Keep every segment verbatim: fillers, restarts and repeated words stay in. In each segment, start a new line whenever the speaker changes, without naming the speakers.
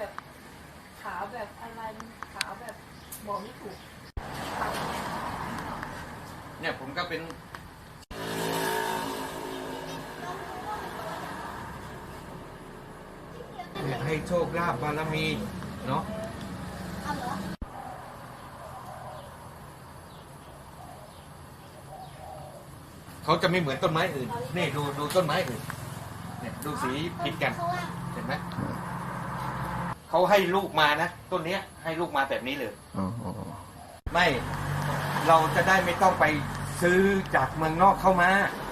แบบขาวแบบอะไรขาวแบบบอกไม่ถูก
เนี่ยผมก็เป็นให้โชคลาภบารมีเนาะเขาจะไม่เหมือนต้นไม้อื่นนี่ดูดูต้นไม้อื่นเนี่ยดูสีผิดกันเห็นไหมเขาให้ลูกมานะต้นเนี้ยให้ลูกมาแบบนี้เลยไม่เราจะได้ไม่ต้องไปซื้อจากเมืองนอกเข้ามา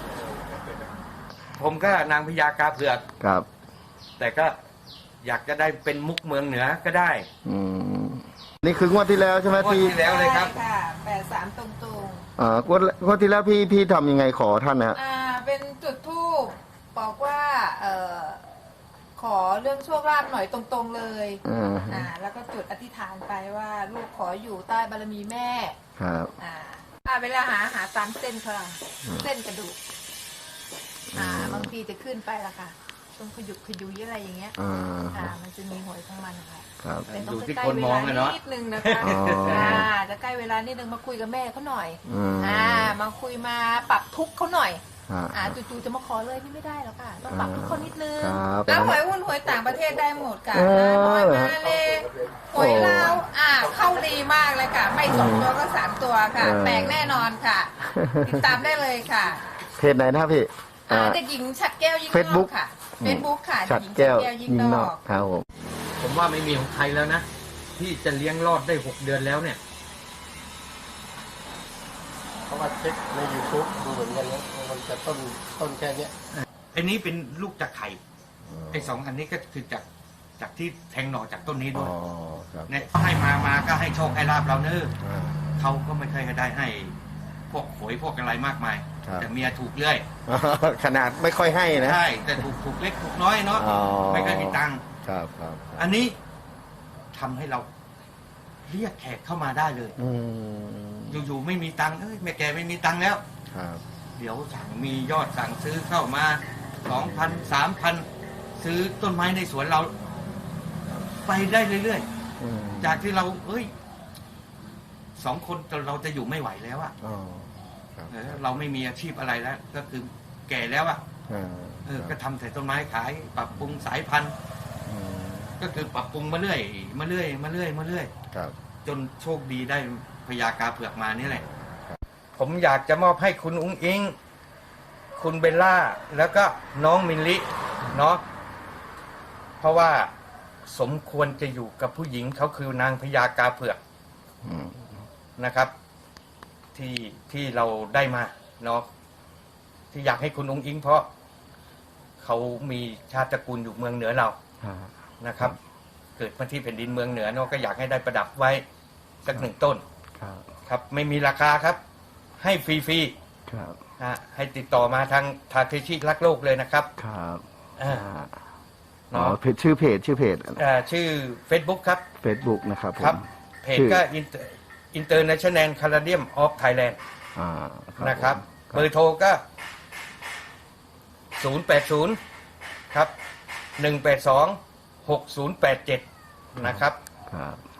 ผมก็นางพญากาเผือก
ครับ
แต่ก็อยากจะได้เป็นมุกเมืองเหนือก็ได้
อืมนี่คืองวดที่แล้วใช่ไหมพี่
งวดที่แล้วเลยครับ
ค่ะแปดสามตรงตรง
อ่างวดงวดที่แล้วพี่พี่ทำยังไงขอท่านนะฮะ
อ่าเป็นจุดธูปบอกว่าเอ่อขอเรื่องโชคลาภหน่อยตรงๆเลยอ่าแล้วก็จุดอธิษฐานไปว่าลูกขออยู่ใต้บารมีแม่
ครับ
อ่าอ่าเวลาหาหาตามเส้นเขาล่ะเส้นกระดูกอ่าบางทีจะขึ้นไปละค่ะตรงขยุกขยุยอะไรอย่างเงี้ยอ่ามันจะมีหวยของมันค่ะ
ครับ
เป็นต้องใกล้เวลานิดนึงนะคะอ่าจะใกล้เวลานิดนึงมาคุยกับแม่เขาหน่อยอ่ามาคุยมาปรับทุกข์เขาหน่อยอ่าจู่ๆจะมาขอเลยนี่ไม่ได้หรอกค่ะต้องปรับทุกคนนิดนึงอ่าหวยหุ้นหวยต่างประเทศได้หมดค่ะหวยมาเลยหวยลาวอ่าเข้าดีมากเลยค่ะไม่สองตัวก็สามตัวค่ะแปลกแน่นอนค่ะติดตามได้เลยค่ะ
เพจไหนนะพี่
อ่าเด็กหญิงฉัดแก้วยิ่งนอกค่ะเฟซบุ๊กค่ะ
ฉัดแก้วยิ่งนอกครับผม
ผมว่าไม่มีของใครแล้วนะที่จะเลี้ยงรอดได้หกเดือนแล้วเนี่ย
เพราะว่าเช็คใน ยูทูบ ดูเหมือนกันนะมันจะต้นต้นแค่นี้
ไอ้นี้เป็นลูกจากไข่ไอ้สองอันนี้ก็คือจากจากที่แทงหน่อจากต้นนี้ด้วยเนี่ยให้มามาก็ให้โชคให้ลาบเราเนอะเขาก็ไม่เคยได้ให้พวกหวยพวกอะไรมากมายแต่เมียถูกเรื่อย
ขนาดไม่ค่อยให้นะ
ใช่แต่ถูกถูกเล็กถูกน้อยเนาะไม่เคยมีตังค์
ครับครับ
อันนี้ทำให้เราเรียกแขกเข้ามาได้เลยอยู่ๆไม่มีตังค์เอ้ยแม่แกไม่มีตังค์แล้วเดี๋ยวสั่งมียอดสั่งซื้อเข้ามาสองพันสามพันซื้อต้นไม้ในสวนเราไปได้เรื่อยๆจากที่เราเอ้ยสองคนเราจะอยู่ไม่ไหวแล้วอะเราไม่มีอาชีพอะไรแล้วก็คือแก่แล้วอะเออก็ทำแต่ต้นไม้ขายปรับปรุงสายพันธุ์ก็คือปรับปรุงมาเรื่อยมาเรื่อยมาเรื่อยมาเรื่อยจนโชคดีได้พญากาเผือกมานี่แหละผมอยากจะมอบให้คุณอุ้งอิงคุณเบลล่าแล้วก็น้องมินลิเนาะเพราะว่าสมควรจะอยู่กับผู้หญิงเขาคือนางพญากาเผือกนะครับที่ที่เราได้มาเนาะที่อยากให้คุณอุ้งอิงเพราะเขามีชาติตระกูลอยู่เมืองเหนือเรานะครับเกิดมาที่แผ่นดินเมืองเหนือเนาะก็อยากให้ได้ประดับไว้สักหนึ่งต้นครับไม่มีราคาครับให้ฟรีๆให้ติดต่อมาทางทาเคชิรักโลกเลยนะครับ
ครับ
อ่า
อ๋อเพจชื่อเพจชื่อเพจ
อ่าชื่อ Facebook ครับ
Facebook นะครับ
ครับเพจก็ International Caladium of Thailand นะครับเบอร์โทรก็ศูนย์ แปด ศูนย์ครับหนึ่ง แปด สอง หก ศูนย์ แปด เจ็ดนะครับ
ครับ